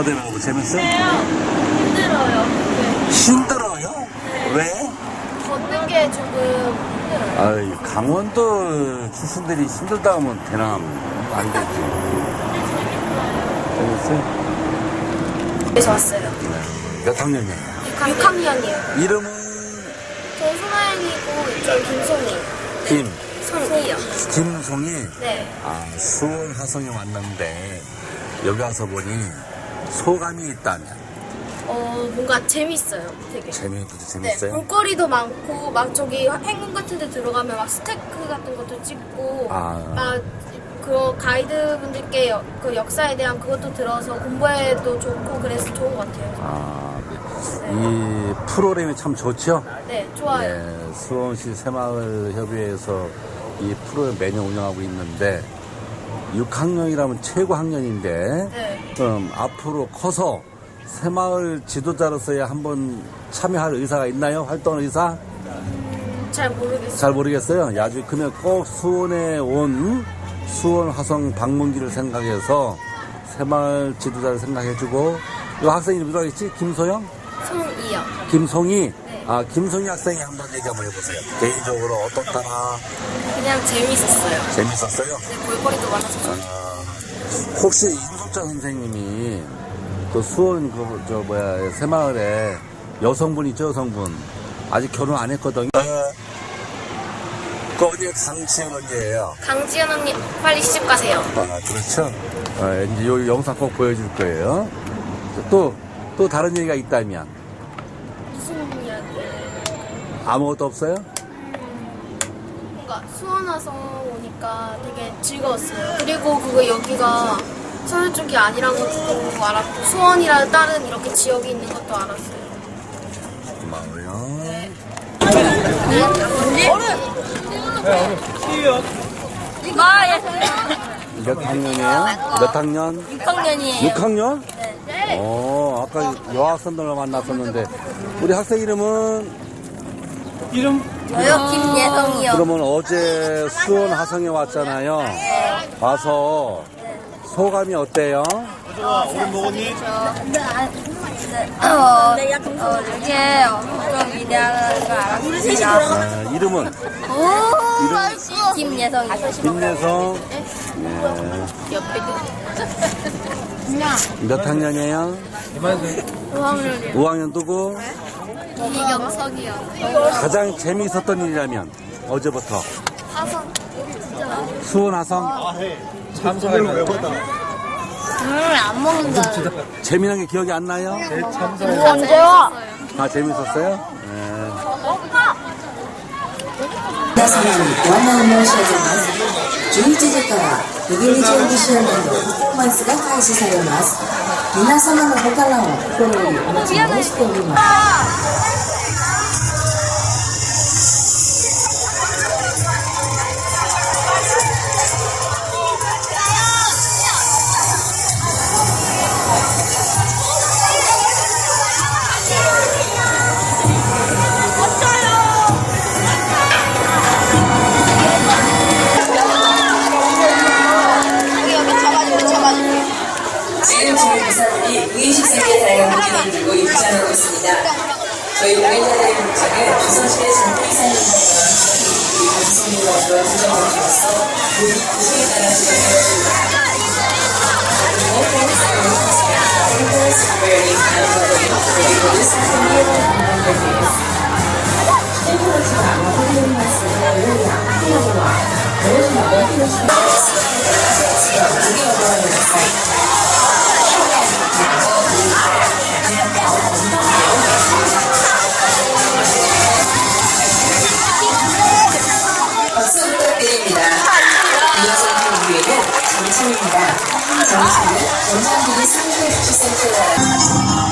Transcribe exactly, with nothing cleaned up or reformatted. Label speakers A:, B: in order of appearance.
A: 어때요? 재밌어요?
B: 힘들어요. 네.
A: 힘들어요?
B: 네.
A: 왜?
B: 걷는 게 조금 힘들어요.
A: 아이, 강원도 출신들이 힘들다 하면 되나? 안 되지. 재밌어요?
B: 그래서 왔어요.
A: 네. 몇 학년이에요?
B: 육 학년이요.
A: 이름은?
B: 저 손아연이고, 저 김송이.
A: 김.
B: 송이요.
A: 김송이?
B: 네.
A: 아, 수원 화성에 왔는데, 여기 와서 보니 소감이 있다면?
B: 어, 뭔가 재밌어요. 되게.
A: 재미있고
B: 네.
A: 재밌어요?
B: 볼거리도 많고, 막 저기 행궁 같은 데 들어가면 막 스테이크 같은 것도 찍고,
A: 아.
B: 막, 그 가이드분들께 여- 그 역사에 대한 그것도 들어서 공부해도 좋고, 그래서 좋은 것 같아요.
A: 아, 이 프로그램이 참 좋죠?
B: 네, 좋아요.
A: 네, 수원시 새마을협의회에서 이 프로그램 매년 운영하고 있는데 육 학년이라면 최고 학년인데
B: 네.
A: 그럼 앞으로 커서 새마을 지도자로서의 한번 참여할 의사가 있나요? 활동 의사?
B: 잘 모르겠어요.
A: 잘 모르겠어요. 아주 그러면 꼭 수원에 온 수원 화성 방문기를 생각해서 새마을 지도자를 생각해주고 이 학생 이름이 뭐라고 했지? 김소영?
B: 송이요.
A: 김송이?
B: 네.
A: 아, 김송이 학생이 한번 얘기 한번 해보세요. 개인적으로 어떻다나?
B: 그냥 재밌었어요.
A: 재밌었어요?
B: 네, 볼거리도 많아서 좋아요.
A: 아, 혹시 임석자 선생님이 그 수원 그, 저, 뭐야, 새마을에 여성분 있죠, 여성분. 아직 결혼 안 했거든요. 그 어디에 강치현 언니예요?
B: 강지연 언니, 빨리 시집 가세요.
A: 아, 그렇죠. 아, 이제 요 영상 꼭 보여줄 거예요. 또, 또 다른 얘기가 있다면?
B: 무슨 이야기?
A: 아무것도 없어요?
B: 뭔가 수원 와서 오니까 되게 즐거웠어요. 그리고 그거 여기가 서울 쪽이 아니란 것도 알았고, 수원이라 다른 이렇게 지역이 있는 것도 알았어요.
A: 고마워요.
B: 네.
A: 몇 학년이에요? 몇 학년?
B: 육 학년이에요.
A: 육 학년?
B: 네.
A: 어, 아까 여학생들을 만났었는데, 우리 학생 이름은?
C: 이름?
B: 저요? 김예성이요.
A: 그러면 어제 수원 화성에 왔잖아요. 와서 소감이 어때요?
C: 오늘 먹었니?
B: 어, 어, 이게 엄청 위대한 걸 알았습니다.
A: 아, 이름은?
B: 오, 김예성이.
A: 김예성. 네. 몇 학년이에요?
B: 오 학년이요.
A: 오 학년 누구?
B: 이경석이요.
A: 가장 재미있었던 일이라면 어제부터
B: 화성.
A: 수원 화성
C: 참사가 있나요?
B: 음, 안 먹는다.
A: 재미난 게 기억이 안 나요?
B: 언제 와?
A: 아 재밌었어요? 네.
D: 皆様にご案内を申し上げます。じゅういちじからビギニ準備周年のパフォーマンスが開始されます。皆様のご観覧を心よりお待ち申しております。지금 저희 부사들이 무의식 세계 다양한 무기를 들고 입장하고 있습니다. 저희 공연자들의 복장은 조선시대 전통 이상의 우리 감성과 그런 부정적으로서 모두 구성에 따라 진행되었습니다. 박수 부탁드립니다. 이어서 준비에는 점심입니다. 점심은 전산기기 상세 주치센터에